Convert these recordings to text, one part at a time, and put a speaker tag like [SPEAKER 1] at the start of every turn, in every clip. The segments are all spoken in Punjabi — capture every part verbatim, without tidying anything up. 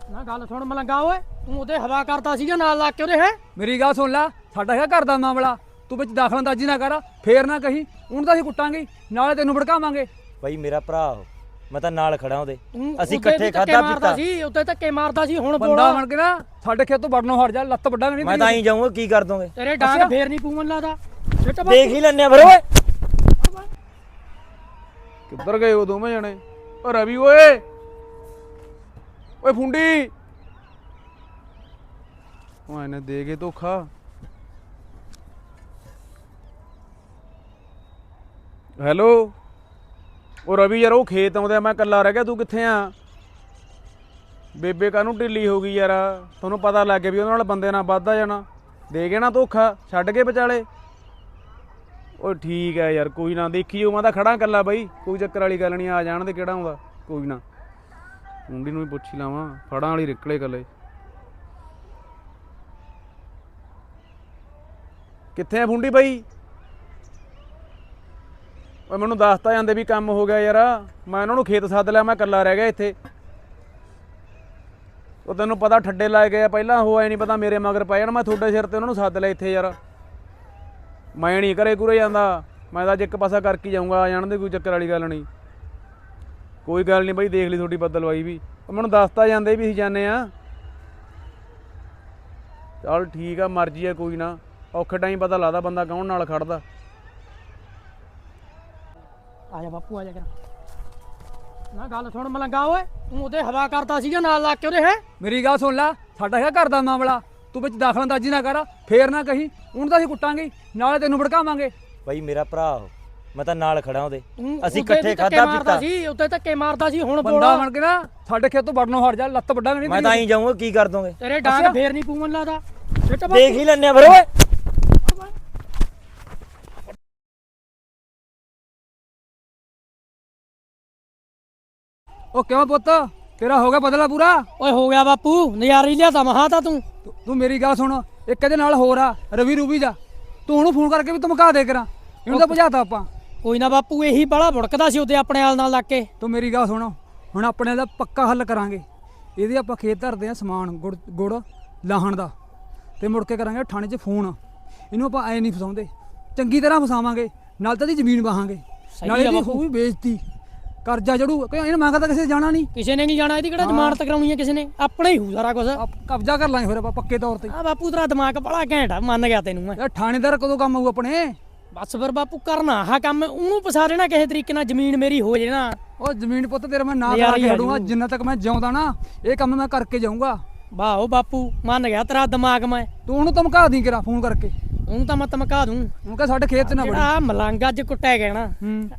[SPEAKER 1] ਨਾ ਗੱਲ ਸੁਣ ਮਲੰਗਾ ਓਏ, ਤੂੰ ਉਹਦੇ ਹਵਾ ਕਰਦਾ ਸੀਗਾ ਨਾਲ ਲੱਗ ਕੇ ਉਹਦੇ। ਹੈ
[SPEAKER 2] ਮੇਰੀ ਗੱਲ ਸੁਣ ਲੈ, ਸਾਡਾ ਹੈਗਾ ਘਰ ਦਾ ਮਾਮਲਾ, ਤੂੰ ਵਿੱਚ ਦਾਖਲਅੰਦਾਜ਼ੀ ਨਾ ਕਰ। ਫੇਰ ਨਾ ਕਹੀਂ ਹੁਣ ਤਾਂ ਅਸੀਂ ਕੁੱਟਾਂਗੇ ਨਾਲੇ ਤੈਨੂੰ ਭੜਕਾਵਾਂਗੇ।
[SPEAKER 3] ਬਾਈ ਮੇਰਾ ਭਰਾ ਉਹ, ਮੈਂ ਤਾਂ ਨਾਲ ਖੜਾ ਉਹਦੇ।
[SPEAKER 1] ਤੂੰ
[SPEAKER 3] ਅਸੀਂ
[SPEAKER 1] ਉੱਤੇ
[SPEAKER 3] ਇਕੱਠੇ
[SPEAKER 1] ਵੀ ਧੱਕੇ
[SPEAKER 3] ਖਾਧਾ
[SPEAKER 1] ਮਾਰਦਾ
[SPEAKER 3] ਪੀਤਾ
[SPEAKER 1] ਸੀ, ਉੱਤੇ ਧੱਕੇ ਮਾਰਦਾ ਸੀ। ਹੁਣ
[SPEAKER 2] ਬੰਦਾ
[SPEAKER 1] ਬੋਲਾ
[SPEAKER 2] ਬਣ ਕੇ ਨਾ ਸਾਡੇ ਖੇਤ ਤੋਂ ਵੜਨੋਂ ਹਟ ਜਾ, ਲੱਤ ਵੱਡਾ ਨਹੀਂ।
[SPEAKER 3] ਮੈਂ ਤਾਂ ਆਈ ਜਾਊਂਗਾ, ਕੀ ਕਰ ਦੋਗੇ?
[SPEAKER 1] ਤੇਰੇ ਡਾਂਗ
[SPEAKER 2] ਅੱਛਾ।
[SPEAKER 1] ਫੇਰ ਨਹੀਂ ਪੂਮਨ ਲਾਦਾ।
[SPEAKER 3] ਦੇਖ ਹੀ ਲੈਣੇ ਆ ਫਿਰ ਓਏ।
[SPEAKER 2] ਕਿੱਧਰ ਗਏ ਉਹ ਦੋਵੇਂ ਜਣੇ? ਓ ਰਵੀ ਓਏ, ਓਏ ਫੁੰਡੀ, ਉਹ ਇਹਨੇ ਦੇ ਕੇ ਧੋਖਾ। ਹੈਲੋ, ਉਹ ਰਵੀ ਯਾਰ ਉਹ ਖੇਤ ਆਉਂਦੇ ਆ, ਮੈਂ ਇਕੱਲਾ ਰਹਿ ਗਿਆ, ਤੂੰ ਕਿੱਥੇ ਆ? ਬੇਬੇ ਕਾਹਨੂੰ ਢਿੱਲੀ ਹੋ ਗਈ ਯਾਰ, ਤੁਹਾਨੂੰ ਪਤਾ ਲੱਗ ਗਿਆ ਵੀ ਉਹਦੇ ਨਾਲ ਬੰਦੇ ਨਾਲ ਵੱਧਦਾ ਜਾਣਾ। ਦੇ ਕੇ ਨਾ ਧੋਖਾ, ਛੱਡ ਕੇ ਵਿਚਾਲੇ। ਉਹ ਠੀਕ ਹੈ ਯਾਰ, ਕੋਈ ਨਾ, ਦੇਖੀ ਉਹ ਮੈਂ ਤਾਂ ਖੜਾ ਇਕੱਲਾ ਬਾਈ, ਕੋਈ ਚੱਕਰ ਵਾਲੀ ਗੱਲ ਨਹੀਂ, ਆ ਜਾਣ ਦੇ ਕਿਹੜਾ ਆਉਂਦਾ, ਕੋਈ ਨਾ। ਮੁੰਡੀ ਨੂੰ ਵੀ ਪੁੱਛ ਹੀ ਲਾਵਾਂ, ਫੜਾਂ ਵਾਲੀ ਨਿਕਲੇ ਇਕੱਲੇ। ਕਿੱਥੇ ਆ ਫੁੰਡੀ ਬਾਈ? ਓਏ ਮੈਨੂੰ ਦੱਸਤਾ ਜਾਂਦੇ ਵੀ ਕੰਮ ਹੋ ਗਿਆ ਯਾਰ, ਮੈਂ ਉਹਨਾਂ ਨੂੰ ਖੇਤ ਸੱਦ ਲਿਆ, ਮੈਂ ਇਕੱਲਾ ਰਹਿ ਗਿਆ ਇੱਥੇ। ਉਹ ਤੈਨੂੰ ਪਤਾ ਠੱਡੇ ਲਾਏ ਗਏ ਆ ਪਹਿਲਾਂ, ਉਹ ਐ ਨਹੀਂ ਪਤਾ ਮੇਰੇ ਮਗਰ ਪੈ ਜਾਣ, ਮੈਂ ਤੁਹਾਡੇ ਸਿਰ ਤੇ ਉਹਨਾਂ ਨੂੰ ਸੱਦ ਲਿਆ ਇੱਥੇ ਯਾਰ। ਮੈਂ ਨਹੀਂ ਘਰੇ ਘੁਰੇ ਜਾਂਦਾ, ਮੈਂ ਤਾਂ ਅੱਜ ਇੱਕ ਪਾਸਾ ਕਰਕੇ ਜਾਊਂਗਾ, ਆ ਜਾਣ ਦੇ, ਕੋਈ ਚੱਕਰ ਵਾਲੀ ਗੱਲ ਨਹੀਂ। ਕੋਈ ਗੱਲ ਨਹੀਂ ਬਾਈ, ਦੇਖ ਲਈ ਤੁਹਾਡੀ ਬਦਲਵਾਈ ਵੀ। ਉਹ ਮੈਨੂੰ ਦੱਸਤਾ ਜਾਂਦੇ ਵੀ ਅਸੀਂ ਜਾਂਦੇ ਆ। ਚੱਲ ਠੀਕ ਆ, ਮਰਜ਼ੀ ਆ, ਕੋਈ ਨਾ, ਔਖੇ ਟਾਈਮ ਪਤਾ ਲੱਗਦਾ ਬੰਦਾ ਕੌਣ ਨਾਲ ਖੜਦਾ।
[SPEAKER 1] ਆ ਜਾ ਬਾਪੂ, ਆ ਜਾ ਕਰ। ਨਾ ਗੱਲ ਸੁਣ ਮਲੰਗਾ ਓਏ, ਤੂੰ ਉਹਦੇ ਹਵਾ ਕਰਦਾ ਸੀਗਾ ਨਾਲ ਲੱਗ ਕੇ ਉਹਦੇ। ਹੈ
[SPEAKER 2] ਮੇਰੀ ਗੱਲ ਸੁਣ ਲੈ, ਸਾਡਾ ਹੈਗਾ ਘਰ ਦਾ ਮਾਮਲਾ, ਤੂੰ ਵਿੱਚ ਦਾਖਲਅੰਦਾਜ਼ੀ ਨਾ ਕਰ। ਫੇਰ ਨਾ ਕਹੀਂ ਹੁਣ ਤਾਂ ਅਸੀਂ ਕੁੱਟਾਂਗੇ ਨਾਲੇ ਤੈਨੂੰ ਭੜਕਾਵਾਂਗੇ।
[SPEAKER 3] ਬਾਈ ਮੇਰਾ ਭਰਾ ਉਹ, ਮੈਂ ਤਾਂ ਨਾਲ ਖੜਾ ਉਹਦੇ।
[SPEAKER 1] ਤੂੰ
[SPEAKER 3] ਅਸੀਂ
[SPEAKER 1] ਉੱਤੇ
[SPEAKER 3] ਇਕੱਠੇ
[SPEAKER 1] ਵੀ ਧੱਕੇ
[SPEAKER 3] ਖਾਧਾ
[SPEAKER 1] ਮਾਰਦਾ
[SPEAKER 3] ਪੀਤਾ
[SPEAKER 1] ਸੀ, ਉੱਤੇ ਧੱਕੇ ਮਾਰਦਾ ਸੀ। ਹੁਣ
[SPEAKER 2] ਬੰਦਾ
[SPEAKER 1] ਬੋਲਾ
[SPEAKER 2] ਬਣ ਕੇ ਨਾ ਸਾਡੇ ਖੇਤ ਤੋਂ ਵੜਨੋਂ ਹਟ ਜਾ, ਲੱਤ ਵੱਡਾ ਨਹੀਂ।
[SPEAKER 3] ਮੈਂ ਤਾਂ ਆਈ ਜਾਊਂਗਾ, ਕੀ ਕਰ ਦੋਗੇ?
[SPEAKER 1] ਤੇਰੇ ਡਾਂਗ
[SPEAKER 2] ਅੱਛਾ।
[SPEAKER 1] ਫੇਰ ਨਹੀਂ ਪੂਮਨ ਲਾਦਾ।
[SPEAKER 3] ਦੇਖ ਹੀ ਲੈਣੇ ਆ ਫਿਰ ਓਏ।
[SPEAKER 2] ਉਹ ਕਿਉਂ ਪੁੱਤ, ਤੇਰਾ ਹੋ ਗਿਆ ਬਦਲਾ ਪੂਰਾ?
[SPEAKER 1] ਓਏ ਹੋ ਗਿਆ ਬਾਪੂ, ਨਜ਼ਾਰੀ ਲਿਆਤਾ ਮਹਾ ਤਾਂ ਤੂੰ।
[SPEAKER 2] ਤੂੰ- ਤੂੰ ਮੇਰੀ ਗੱਲ ਸੁਣ, ਇੱਕ ਇਹਦੇ ਨਾਲ ਹੋਰ ਆ ਰਵੀ ਰੂਬੀ ਦਾ, ਤੂੰ ਉਹਨੂੰ ਫੋਨ ਕਰਕੇ ਵੀ ਧਮਕਾ ਦੇ ਕਰਾਂ, ਇਹਨੂੰ ਤਾਂ ਭਜਾਤਾ ਆਪਾਂ।
[SPEAKER 1] ਕੋਈ ਨਾ ਬਾਪੂ, ਇਹੀ ਬੜਾ ਭੁੜਕਦਾ ਸੀ ਉਹਦੇ ਆਪਣੇ ਆਲ ਨਾਲ ਲੱਗ ਕੇ।
[SPEAKER 2] ਤੂੰ ਮੇਰੀ ਗੱਲ ਸੁਣ, ਹੁਣ ਆਪਣੇ ਦਾ ਪੱਕਾ ਹੱਲ ਕਰਾਂਗੇ। ਇਹਦੇ ਆਪਾਂ ਖੇਤ ਧਰਦੇ ਆ ਸਮਾਨ, ਗੁੜ ਗੁੜ ਲਾਹਣ ਦਾ, ਤੇ ਮੁੜ ਕੇ ਕਰਾਂਗੇ ਥਾਣੇ 'ਚ ਫੋਨ। ਇਹਨੂੰ ਆਪਾਂ ਐ ਨਹੀਂ ਫਸਾਉਂਦੇ, ਚੰਗੀ ਤਰ੍ਹਾਂ ਫਸਾਵਾਂਗੇ, ਨਾਲ ਤਾਂ ਇਹਦੀ ਜ਼ਮੀਨ ਵਾਹਾਂਗੇ,
[SPEAKER 1] ਸਹੀ
[SPEAKER 2] ਨਾਲੇ
[SPEAKER 1] ਆ
[SPEAKER 2] ਇਹਦੀ
[SPEAKER 1] ਬਾਪੂ।
[SPEAKER 2] ਹੋਊ ਬੇਇੱਜ਼ਤੀ, ਕਰਜ਼ਾ ਜੜੂ। ਕਿਉਂ ਇਹਨੂੰ ਮੰਗਦਾ ਕਿਸੇ ਨੇ ਜਾਣਾ ਨਹੀਂ,
[SPEAKER 1] ਕਿਸੇ ਨੇ ਨਹੀਂ ਜਾਣਾ, ਇਹਦੀ ਕਿਹੜਾ ਜ਼ਮਾਨਤ ਕਰਾਉਣੀ ਹੈ ਕਿਸੇ ਨੇ, ਆਪਣੇ ਹੀ ਹੋਊ ਸਾਰਾ ਕੁਝ।
[SPEAKER 2] ਆਪ ਕਬਜ਼ਾ ਕਰ ਲਾਂਗੇ ਫਿਰ ਆਪਾਂ ਪੱਕੇ ਤੌਰ ਤੇ।
[SPEAKER 1] ਆ ਬਾਪੂ ਤੇਰਾ ਦਿਮਾਗ ਬੜਾ ਘੈਂਟ ਆ, ਮੰਨ ਗਿਆ ਤੈਨੂੰ ਮੈਂ।
[SPEAKER 2] ਯਾਰ ਥਾਣੇਦਾਰ ਕਦੋਂ ਕੰਮ ਆਊ ਆਪਣੇ?
[SPEAKER 1] ਬਸ ਫਿਰ ਬਾਪੂ ਕਰਨਾ ਆਹ ਕੰਮ, ਉਹਨੂੰ ਫਸਾ ਦੇਣਾ ਕਿਸੇ ਤਰੀਕੇ ਨਾਲ, ਜ਼ਮੀਨ ਮੇਰੀ ਹੋ ਜੇ ਨਾ।
[SPEAKER 2] ਉਹ ਜ਼ਮੀਨ ਪੁੱਤ ਤੇਰਾ ਮੈਂ ਨਾ
[SPEAKER 1] ਨਜ਼ਾਰਾ
[SPEAKER 2] ਕਰਾ
[SPEAKER 1] ਹੀ
[SPEAKER 2] ਕੇ
[SPEAKER 1] ਆ
[SPEAKER 2] ਹਟੂੰਗਾ,
[SPEAKER 1] ਜੂ।
[SPEAKER 2] ਜਿੰਨਾ ਤੱਕ ਮੈਂ ਜਿਉਂਦਾ ਨਾ ਇਹ ਕੰਮ ਮੈਂ ਕਰਕੇ ਜਾਊਂਗਾ।
[SPEAKER 1] ਵਾਹ ਬਾਪੂ, ਮੰਨ ਗਿਆ ਤੇਰਾ ਦਿਮਾਗ ਮੈਂ।
[SPEAKER 2] ਤੂੰ ਉਹਨੂੰ ਧਮਕਾ ਦੀ ਕਰਾ ਫੋਨ ਕਰਕੇ,
[SPEAKER 1] ਉਹਨੂੰ ਤਾਂ ਮੈਂ ਧਮਕਾ ਦੂੰ।
[SPEAKER 2] ਉਹਨੂੰ ਕਹ ਸਾਡੇ ਖੇਤ 'ਚ ਨਾ ਵੜੀ।
[SPEAKER 1] ਜਿਹੜਾ ਮਲੰਗ ਅੱਜ ਕੁੱਟਿਆ ਗਿਆ ਨਾ,
[SPEAKER 2] ਹੂੰ,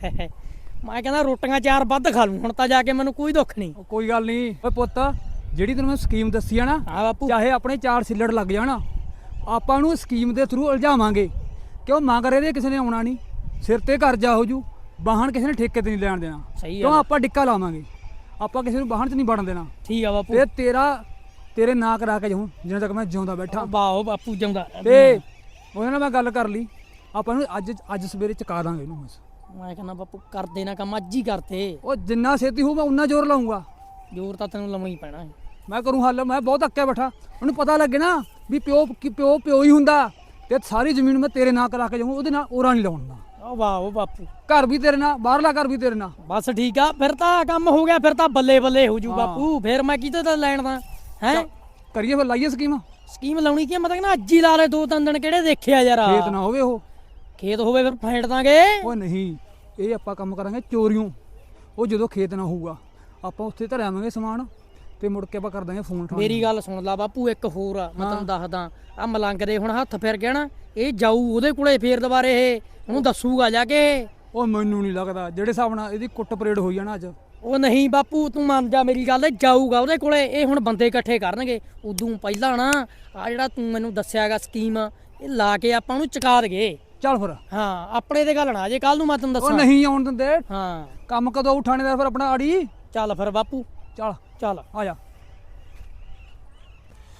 [SPEAKER 1] ਮੈਂ ਕਹਿੰਦਾ ਰੋਟੀਆਂ ਚਾਰ ਵੱਧ ਖਾ ਲੂੰ ਹੁਣ ਤਾਂ ਜਾ ਕੇ, ਮੈਨੂੰ ਕੋਈ ਦੁੱਖ ਨਹੀਂ।
[SPEAKER 2] ਉਹ ਕੋਈ ਗੱਲ ਨਹੀਂ। ਓਏ ਪੁੱਤ, ਜਿਹੜੀ ਤੈਨੂੰ ਮੈਂ ਸਕੀਮ ਦੱਸੀ ਆ ਨਾ,
[SPEAKER 1] ਹਾਂ ਬਾਪੂ,
[SPEAKER 2] ਚਾਹੇ ਆਪਣੇ ਚਾਰ ਸਿੱਲੜ ਲੱਗ ਜਾਣ, ਆਪਾਂ ਨੂੰ ਸਕੀਮ ਦੇ ਥਰੂ ਉਲਝਾਵਾਂਗੇ। ਕਿਉਂ ਮੰਗ ਰਹੇ ਦੇ ਕਿਸੇ ਨੇ ਆਉਣਾ ਨਹੀਂ, ਸਿਰ ਤੇ ਕਰਜ਼ਾ ਹੋ ਜੂ, ਵਾਹਣ ਕਿਸੇ ਨੇ ਠੇਕੇ ਤੇ ਨਹੀਂ ਲੈਣ ਦੇਣਾ।
[SPEAKER 1] ਸਹੀ
[SPEAKER 2] ਕਿਉਂ
[SPEAKER 1] ਆ,
[SPEAKER 2] ਆਪਾਂ ਡਿੱਕਾ ਲਾਵਾਂਗੇ, ਆਪਾਂ ਕਿਸੇ ਨੂੰ ਵਾਹਣ 'ਚ ਨਹੀਂ ਵੜਨ ਦੇਣਾ।
[SPEAKER 1] ਠੀਕ ਆ ਬਾਪੂ।
[SPEAKER 2] ਤੇ ਤੇਰਾ ਤੇਰੇ ਨਾਂ ਕਰਾ ਕੇ ਜਾਊਂ ਜਿੰਨਾ ਤੱਕ ਮੈਂ ਜਿਉਂਦਾ ਬੈਠਾ।
[SPEAKER 1] ਵਾਹ ਬਾਪੂ, ਜਾਂਦਾ
[SPEAKER 2] ਤੇ ਉਹਦੇ ਨਾਲ ਮੈਂ ਗੱਲ ਕਰ ਲਈ, ਆਪਾਂ ਨੂੰ ਅੱਜ ਅੱਜ ਸਵੇਰੇ ਚੁਕਾ ਦਾਂਗੇ ਇਹਨੂੰ ਬਸ।
[SPEAKER 1] ਮੈਂ ਕਹਿੰਦਾ ਬਾਪੂ ਕਰਦੇ ਨਾ ਕੰਮ, ਅੱਜ ਹੀ ਕਰਤੇ।
[SPEAKER 2] ਉਹ ਜਿੰਨਾ ਛੇਤੀ ਹੋਊ ਮੈਂ ਉਨਾ ਜ਼ੋਰ ਲਾਉਂਗਾ,
[SPEAKER 1] ਜ਼ੋਰ ਤਾਂ ਤੈਨੂੰ ਲਾਉਣਾ ਹੀ ਪੈਣਾ ਹੈ।
[SPEAKER 2] ਮੈਂ ਕਰੂੰ ਹੱਲ। ਮੈਂ ਬਹੁਤ ਅੱਕਿਆ ਬੈਠਾ, ਉਹਨੂੰ ਪਤਾ ਲੱਗੇ ਨਾ ਵੀ ਪਿਓ ਕਿ ਪਿਓ ਪਿਓ ਹੀ ਹੁੰਦਾ, ਤੇ ਸਾਰੀ ਜ਼ਮੀਨ ਮੈਂ ਤੇਰੇ ਨਾਂ ਕਰਾ ਕੇ ਜਾਊਂ, ਉਹਦੇ ਨਾਲ ਔਰਾ ਨਹੀਂ ਲਾਉਣਾ।
[SPEAKER 1] ਉਹ ਵਾਹ ਉਹ ਬਾਪੂ,
[SPEAKER 2] ਘਰ ਵੀ ਤੇਰੇ ਨਾਲ, ਬਾਹਰਲਾ ਘਰ ਵੀ ਤੇਰੇ ਨਾਲ।
[SPEAKER 1] ਬਸ ਠੀਕ ਆ, ਫਿਰ ਤਾਂ ਕੰਮ ਹੋ ਗਿਆ, ਫਿਰ ਤਾਂ ਬੱਲੇ ਬੱਲੇ ਹੋ ਜੂ
[SPEAKER 2] ਹਾਂ।
[SPEAKER 1] ਬਾਪੂ। ਫਿਰ ਮੈਂ ਕਿਤੇ ਤਾਂ ਲੈਣ ਦਾ ਹੈ।
[SPEAKER 2] ਕਰੀਏ ਫਿਰ, ਲਾਈਏ ਸਕੀਮ।
[SPEAKER 1] ਸਕੀਮ ਲਾਉਣੀ ਕੀ, ਮਤਲਬ ਨਾ ਅੱਜ ਹੀ ਲਾ ਲੈ, ਦੋ ਤਿੰਨ ਦਿਨ ਕਿਹੜੇ ਦੇਖਿਆ ਯਾਰ।
[SPEAKER 2] ਖੇਤ ਨਾ ਹੋਵੇ ਉਹ।
[SPEAKER 1] ਖੇਤ ਹੋਵੇ ਫਿਰ ਫੇਂਟ ਦਾਂਗੇ।
[SPEAKER 2] ਉਹ ਨਹੀਂ, ਇਹ ਆਪਾਂ ਕੰਮ ਕਰਾਂਗੇ ਚੋਰੀਓਂ। ਉਹ ਜਦੋਂ ਖੇਤ ਨਾ ਹੋਊਗਾ ਆਪਾਂ ਉੱਥੇ ਧਰਿਆਵਾਂਗੇ ਸਮਾਨ, ਤੇ ਮੁੜ ਕੇ ਆਪਾਂ ਕਰ ਦਾਂਗੇ ਫੋਨ।
[SPEAKER 1] ਮੇਰੀ ਗੱਲ ਸੁਣ ਲਾ ਬਾਪੂ, ਇੱਕ ਹੋਰ ਆ ਮੈਂ ਤੈਨੂੰ ਦੱਸਦਾ। ਆ ਮਲੰਗ ਦੇ ਹੁਣ ਹੱਥ ਫਿਰ ਗਿਆ ਨਾ, ਇਹ ਜਾਊ ਉਹਦੇ ਕੋਲੇ ਫੇਰ ਦੁਬਾਰੇ, ਇਹ ਉਹਨੂੰ ਦੱਸੂਗਾ ਜਾ ਕੇ।
[SPEAKER 2] ਉਹ ਮੈਨੂੰ ਨਹੀਂ ਲੱਗਦਾ, ਜਿਹੜੇ ਹਿਸਾਬ ਨਾਲ ਇਹਦੀ ਕੁੱਟ ਪਰੇਡ ਹੋਈ ਜਾਣਾ ਅੱਜ।
[SPEAKER 1] ਉਹ ਨਹੀਂ ਬਾਪੂ, ਤੂੰ ਮੰਨ ਜਾ ਮੇਰੀ ਗੱਲ, ਜਾਊਗਾ ਉਹਦੇ ਕੋਲੇ। ਇਹ ਹੁਣ ਬੰਦੇ ਇਕੱਠੇ ਕਰਨਗੇ, ਉਦੋਂ ਪਹਿਲਾਂ ਨਾ ਆ ਜਿਹੜਾ ਤੂੰ ਮੈਨੂੰ ਦੱਸਿਆਗਾ ਸਕੀਮ, ਇਹ ਲਾ ਕੇ ਆਪਾਂ ਨੂੰ ਚੁਕਾ ਦਗੇ।
[SPEAKER 2] ਚੱਲ ਫਿਰ।
[SPEAKER 1] ਹਾਂ, ਆਪਣੇ ਤੇ ਗੱਲ ਨਾ ਜੇ ਕੱਲ ਨੂੰ ਮੈਂ ਤੈਨੂੰ
[SPEAKER 2] ਉਹ
[SPEAKER 1] ਦੱਸਾਂ।
[SPEAKER 2] ਨਹੀਂ ਆਉਣ ਦਿੰਦੇ।
[SPEAKER 1] ਹਾਂ,
[SPEAKER 2] ਕੰਮ ਕਦੋਂ ਉਠਾਣੇਦਾਰ ਫਿਰ ਆਪਣਾ ਆੜੀ।
[SPEAKER 1] ਚੱਲ ਫਿਰ ਬਾਪੂ,
[SPEAKER 2] ਚੱਲ
[SPEAKER 1] ਚੱਲ
[SPEAKER 2] ਆ ਜਾ।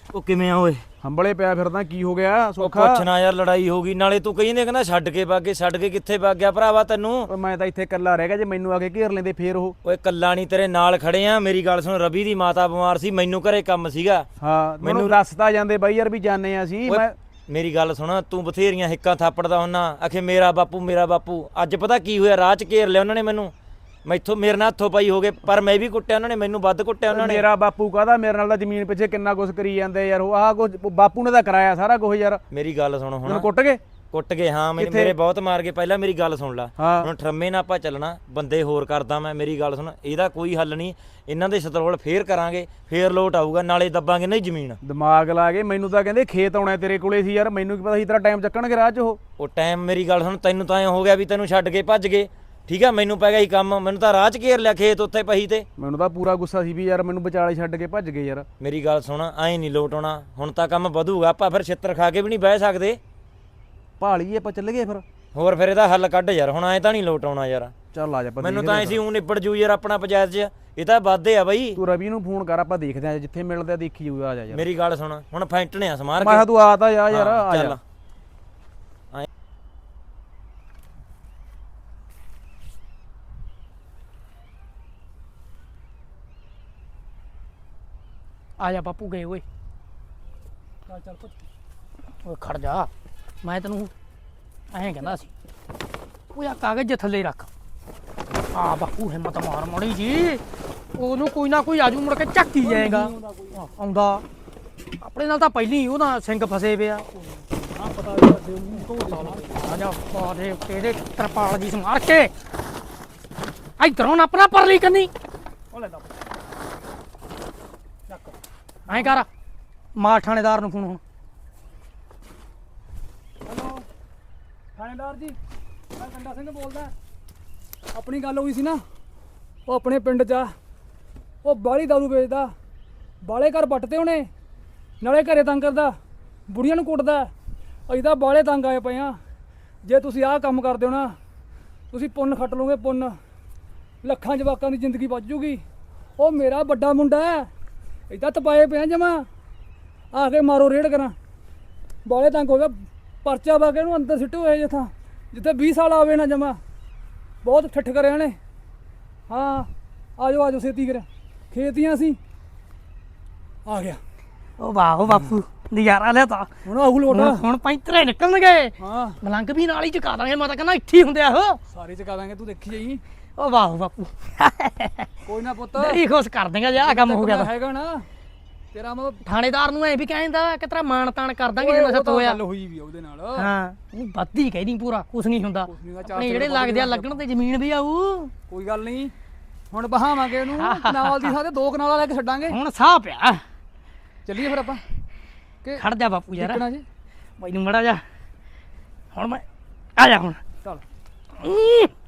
[SPEAKER 3] ਉਹ ਕਿਵੇਂ ਆ ਓਏ?
[SPEAKER 2] ਹੰਬਲੇ ਪਿਆ ਫਿਰਦਾ ਕੀ ਹੋ ਗਿਆ
[SPEAKER 3] ਉਹ
[SPEAKER 2] ਸੋਖਾ?
[SPEAKER 3] ਪੁੱਛਣਾ ਯਾਰ, ਲੜਾਈ ਹੋ ਗਈ ਨਾਲੇ ਤੂੰ ਕਹਿੰਦੇ ਕਹਿੰਦਾ ਛੱਡ ਕੇ ਬਾਗੇ, ਛੱਡ ਕੇ ਕਿੱਥੇ ਵਗ ਗਿਆ ਭਰਾਵਾ ਤੈਨੂੰ?
[SPEAKER 2] ਓਏ ਮੈਂ ਤਾਂ ਇੱਥੇ ਇਕੱਲਾ ਰਹਿ ਗਿਆ, ਜੇ ਮੈਨੂੰ ਆ ਕੇ ਘੇਰ ਲੈਂਦੇ ਫੇਰ ਉਹ।
[SPEAKER 3] ਓਏ ਕੱਲਾ ਨਹੀਂ ਤੇਰੇ ਨਾਲ ਖੜੇ ਆ। ਮੇਰੀ ਗੱਲ ਸੁਣ, ਰਵੀ ਦੀ ਮਾਤਾ ਬਿਮਾਰ ਸੀ, ਮੈਨੂੰ ਘਰੇ ਕੰਮ ਸੀਗਾ।
[SPEAKER 2] ਹਾਂ ਮੈਨੂੰ ਦੱਸਦਾ ਜਾਂਦੇ ਬਾਈ ਯਾਰ ਵੀ ਜਾਣੇ ਆ ਅਸੀਂ।
[SPEAKER 3] ਓਏ
[SPEAKER 2] ਮੈਂ
[SPEAKER 3] ਮੇਰੀ ਗੱਲ ਸੁਣ, ਤੂੰ ਬਥੇਰੀਆਂ ਹਿੱਕਾਂ ਥਾਪੜਦਾ ਹੁੰਨਾ, ਆਖੇ ਮੇਰਾ ਬਾਪੂ ਮੇਰਾ ਬਾਪੂ। ਅੱਜ ਪਤਾ ਕੀ ਹੋਇਆ, ਰਾਹ 'ਚ ਘੇਰ ਲਿਆ ਉਹਨਾਂ ਨੇ ਮੈਨੂੰ, ਮੈਥੋਂ ਮੇਰੇ ਨਾਲ ਹੱਥੋਂ ਪਾਈ ਹੋ ਗਏ, ਪਰ ਮੈਂ ਵੀ ਕੁੱਟਿਆ ਉਹਨਾਂ ਨੇ, ਮੈਨੂੰ ਵੱਧ ਕੁੱਟਿਆ ਉਹਨਾਂ ਨੇ।
[SPEAKER 2] ਮੇਰਾ ਬਾਪੂ ਕਾਹਦਾ, ਮੇਰੇ ਨਾਲ ਤਾਂ ਜ਼ਮੀਨ ਪਿੱਛੇ ਕਿੰਨਾ ਕੁਛ ਕਰੀ ਜਾਂਦੇ ਯਾਰ। ਉਹ ਆਹ ਕੁਛ ਬਾਪੂ ਨੇ ਤਾਂ ਕਰਾਇਆ ਸਾਰਾ ਕੁਝ ਯਾਰ।
[SPEAKER 3] ਮੇਰੀ ਗੱਲ ਸੁਣ ਹੁਣ,
[SPEAKER 2] ਹੁਣ ਕੁੱਟ ਗਏ
[SPEAKER 3] ਕੁੱਟ ਗਏ ਹਾਂ, ਮੇਰੇ ਮੇਰੇ ਬਹੁਤ ਮਾਰ ਗਏ। ਪਹਿਲਾਂ ਮੇਰੀ ਗੱਲ ਸੁਣ ਲੈ,
[SPEAKER 2] ਹਾਂ।
[SPEAKER 3] ਹੁਣ ਠਰਮੇ ਨਾਲ ਆਪਾਂ ਚੱਲਣਾ, ਬੰਦੇ ਹੋਰ ਕਰਦਾ ਮੈਂ। ਮੇਰੀ ਗੱਲ ਸੁਣ, ਇਹਦਾ ਕੋਈ ਹੱਲ ਨਹੀਂ, ਇਹਨਾਂ ਦੇ ਸਤਰੋਲ ਫੇਰ ਕਰਾਂਗੇ, ਫੇਰ ਲੋਟ ਆਊਗਾ, ਨਾਲੇ ਦੱਬਾਂਗੇ ਨਹੀਂ ਜ਼ਮੀਨ।
[SPEAKER 2] ਦਿਮਾਗ ਲਾ ਕੇ ਮੈਨੂੰ ਤਾਂ ਕਹਿੰਦੇ ਖੇਤ ਆਉਣਾ ਤੇਰੇ ਕੋਲੇ ਸੀ ਯਾਰ, ਮੈਨੂੰ ਕੀ ਪਤਾ ਸੀ ਤੇਰਾ ਟਾਈਮ ਚੱਕਣਗੇ ਰਾਹ 'ਚ ਉਹ।
[SPEAKER 3] ਉਹ ਟਾਈਮ, ਮੇਰੀ ਗੱਲ ਸੁਣ, ਤੈਨੂੰ ਤਾਂ ਐਂ ਹੋ ਗਿਆ ਵੀ ਤੈਨੂੰ ਛੱਡ ਕੇ ਭੱਜ ਗਏ, ਠੀਕ ਆ? ਮੈਨੂੰ ਪੈ ਗਿਆ ਸੀ ਕੰਮ, ਮੈਨੂੰ ਤਾਂ ਰਾਹ 'ਚ ਘੇਰ ਲਿਆ ਖੇਤ ਉੱਥੇ ਪਹੀ ਤੇ।
[SPEAKER 2] ਮੈਨੂੰ ਤਾਂ ਪੂਰਾ ਗੁੱਸਾ ਸੀ ਵੀ ਯਾਰ ਮੈਨੂੰ ਵਿਚਾਲੇ ਛੱਡ ਕੇ ਭੱਜ ਗਏ ਯਾਰ।
[SPEAKER 3] ਮੇਰੀ ਗੱਲ ਸੁਣ, ਐਂ ਨਹੀਂ ਲੋਟ ਆਉਣਾ, ਹੁਣ ਤਾਂ ਕੰਮ ਵਧੂਗਾ, ਆਪਾਂ ਫਿਰ ਛਿੱਤਰ ਖਾ ਕੇ ਵੀ ਨਹੀਂ ਬਹਿ ਸਕਦੇ।
[SPEAKER 2] ਭਾਲੀਏ ਆਪਾਂ ਚੱਲ ਗਏ ਫਿਰ।
[SPEAKER 3] ਹੋਰ ਫਿਰ ਇਹਦਾ ਹੱਲ ਕੱਢ ਯਾਰ, ਹੁਣ ਐਂ ਤਾਂ ਨਹੀਂ ਲੋਟ ਆਉਣਾ ਯਾਰ।
[SPEAKER 2] ਚੱਲ ਆ ਜਾ ਆਪਾਂ
[SPEAKER 3] ਮੈਨੂੰ
[SPEAKER 2] ਦੇਖਦੇ
[SPEAKER 3] ਤਾਂ ਐਂ ਸੀ ਊਂ ਨਿਬੜ ਜੂ ਯਾਰ ਆਪਣਾ ਪੰਚਾਇਤ 'ਚ, ਇਹ ਤਾਂ ਵਾਧੇ ਆ ਬਈ।
[SPEAKER 2] ਤੂੰ ਰਵੀ ਨੂੰ ਫੋਨ ਕਰ, ਆਪਾਂ ਦੇਖਦੇ ਆ ਜਿੱਥੇ ਮਿਲਦੇ ਆ ਦੇਖੀ ਜਾਊਗਾ। ਆ ਜਾ ਯਾਰ।
[SPEAKER 3] ਮੇਰੀ ਗੱਲ ਸੁਣ, ਹੁਣ ਫੈਂਟਣੇ ਆ ਸਮਾਰ
[SPEAKER 2] ਮੈਂ ਕਿਹਾ
[SPEAKER 3] ਕੇ।
[SPEAKER 2] ਤੂੰ ਆ ਤਾਂ ਜਾ ਯਾਰ,
[SPEAKER 3] ਹਾਂ,
[SPEAKER 2] ਆ
[SPEAKER 3] ਚੱਲ।
[SPEAKER 2] ਜਾ।
[SPEAKER 1] ਆ ਜਾ ਬਾਪੂ ਗਏ ਓਏ। ਚੱਲ ਚੱਲ ਪੁੱਤ, ਓਏ ਖੜ ਜਾ, ਮੈਂ ਤੈਨੂੰ ਐਂ ਕਹਿੰਦਾ ਸੀ। ਓਏ ਆ ਕਾਗਜ਼ ਜੇ ਥੱਲੇ ਰੱਖ। ਆ ਬਾਪੂ ਹਿੰਮਤ ਮਾਰ ਮੜੀ ਜੀ, ਉਹਨੂੰ ਕੋਈ ਨਾ ਕੋਈ ਆਜੂ ਮੁੜ ਕੇ ਝੱਕੀ ਜਾਏਗਾ। ਆਉਂਦਾ ਆਪਣੇ ਨਾਲ ਤਾਂ ਪਹਿਲੀ ਹੀ ਉਹਦਾ ਸਿੰਘ ਫਸੇ ਪਿਆ। ਆ ਪਤਾ ਆ ਜਾ ਪਾਦੇ ਤੇਰੇ ਤਰਪਾਲ ਦੀ ਸਮਾਰ ਕੇ ਇਧਰੋਂ ਆਪਣਾ ਪਰਲੀ ਕੰਨੀ। ਉਹ ਲੈ ਐਂ ਕਰ, ਮਾਰ ਥਾਣੇਦਾਰ ਨੂੰ ਫੋਨ ਹੁਣ।
[SPEAKER 4] ਹੈਲੋ ਥਾਣੇਦਾਰ ਜੀ, ਮੈਂ ਕੰਡਾ ਸਿੰਘ ਬੋਲਦਾ। ਆਪਣੀ ਗੱਲ ਹੋਈ ਸੀ ਨਾ, ਉਹ ਆਪਣੇ ਪਿੰਡ 'ਚ ਆ, ਉਹ ਬਾਹਲੀ ਦਾਰੂ ਵੇਚਦਾ, ਬਾਲੇ ਘਰ ਪੱਟਦੇ ਉਹਨੇ, ਨਾਲੇ ਘਰੇ ਤੰਗ ਕਰਦਾ, ਬੁੜੀਆਂ ਨੂੰ ਕੁੱਟਦਾ। ਅਸੀਂ ਤਾਂ ਬਾਲੇ ਤੰਗ ਆਏ ਪਏ ਆ। ਜੇ ਤੁਸੀਂ ਆਹ ਕੰਮ ਕਰਦੇ ਹੋ ਨਾ, ਤੁਸੀਂ ਪੁੰਨ ਖੱਟ ਲਓਗੇ, ਪੁੰਨ। ਲੱਖਾਂ ਜਵਾਕਾਂ ਦੀ ਜ਼ਿੰਦਗੀ ਬਚ ਜੂਗੀ। ਉਹ ਮੇਰਾ ਵੱਡਾ ਮੁੰਡਾ ਹੈ, ਇੱਦਾਂ ਤਪਾਏ ਪਿਆ ਜਮਾ, ਆ ਕੇ ਮਾਰੋ ਰੇਡ ਕਰਾਂ। ਬਾਲੇ ਤੰਗ ਹੋ ਗਿਆ, ਪਰਚਾ ਪਾ ਕੇ ਇਹਨੂੰ ਅੰਦਰ ਸਿੱਟੋ ਹੋਏ ਜਿੱਥਾਂ ਜਿੱਥੇ ਵੀਹ ਸਾਲ ਆਵੇ ਨਾ ਜਮਾ। ਬਹੁਤ ਠੱਠ ਕਰਿਆ ਨੇ। ਹਾਂ ਆ ਜਾਓ ਆ ਜਾਓ ਛੇਤੀ ਕਰ, ਖੇਤੀਆਂ ਸੀ ਆ ਗਿਆ।
[SPEAKER 1] ਉਹ ਵਾਹ ਉਹ ਬਾਪੂ ਨਜ਼ਾਰਾ ਲਿਆ ਤਾ।
[SPEAKER 4] ਹੁਣ ਆਹੂ ਲੋਟ।
[SPEAKER 1] ਹੁਣ ਹੁਣ ਪੈਂਤਰੇ ਨਿਕਲਣਗੇ,
[SPEAKER 4] ਹਾਂ
[SPEAKER 1] ਮਲੰਗ ਵੀ ਨਾਲ ਹੀ ਚੁਕਾ ਦਾਂਗੇ। ਮੈਂ ਤਾਂ ਕਹਿੰਦਾ ਇੱਥੇ ਹੀ ਹੁੰਦੇ ਆ ਉਹ।
[SPEAKER 4] ਸਾਰੇ ਚਕਾ ਦਾਂਗੇ, ਤੂੰ ਦੇਖੀ ਜਾਈ।
[SPEAKER 1] ਉਹ ਵਾਹ ਉਹ ਬਾਪੂ
[SPEAKER 4] ਕੋਈ ਨਾ ਪੁੱਤ,
[SPEAKER 1] ਨਹੀਂ ਖੁਸ਼ ਕਰ ਦੇਗਾ ਜੇ ਆਹ ਕੰਮ ਹੋ ਗਿਆ ਤਾਂ।
[SPEAKER 4] ਹੈਗਾ ਨਾ ਤੇਰਾ ਮਤਲਬ।
[SPEAKER 1] ਥਾਣੇਦਾਰ ਨੂੰ ਐ ਵੀ ਕਹਿੰਦਾ ਕਿ ਤੇਰਾ ਮਾਣ ਤਾਣ ਕਰ ਦਾਂਗੇ ਜਿੰਨਾ ਸੱਤ ਹੋਇਆ।
[SPEAKER 4] ਗੱਲ ਹੋਈ ਵੀ ਆ ਉਹਦੇ ਨਾਲ।
[SPEAKER 1] ਹਾਂ ਨਹੀਂ ਵੱਧੀ ਕਹਿਦੀ ਪੂਰਾ, ਕੁਛ ਨਹੀਂ ਹੁੰਦਾ।
[SPEAKER 4] ਕੁਛ ਨੀ ਹੁੰਦਾ, ਚਾਰ
[SPEAKER 1] ਆਪਣੇ ਜਿਹੜੇ ਲੱਗਦੇ ਆ ਲੱਗਣ ਤੇ ਜ਼ਮੀਨ ਵੀ ਆਊ।
[SPEAKER 4] ਕੋਈ ਗੱਲ ਨਹੀਂ, ਹੁਣ ਬਹਾਵਾਂਗੇ ਇਹਨੂੰ। ਕਨਾਲ ਦੀ ਥਾਂ ਤੇ ਦੋ ਕਨਾਲਾਂ ਲੈ ਕੇ ਛੱਡਾਂਗੇ।
[SPEAKER 1] ਹੁਣ ਸਾਹ ਪਿਆ।
[SPEAKER 4] ਚੱਲੀਏ ਫਿਰ ਆਪਾਂ ਕਿ
[SPEAKER 1] ਖੜ ਜਾ ਬਾਪੂ ਯਾਰ,
[SPEAKER 4] ਨਿਕਲਣਾ ਜੀ।
[SPEAKER 1] ਮੈਨੂੰ ਮੜਾ ਜਾ ਹੁਣ। ਮੈਂ ਆ ਜਾ ਹੁਣ।
[SPEAKER 4] ਚੱਲ
[SPEAKER 1] ਹੂੰ।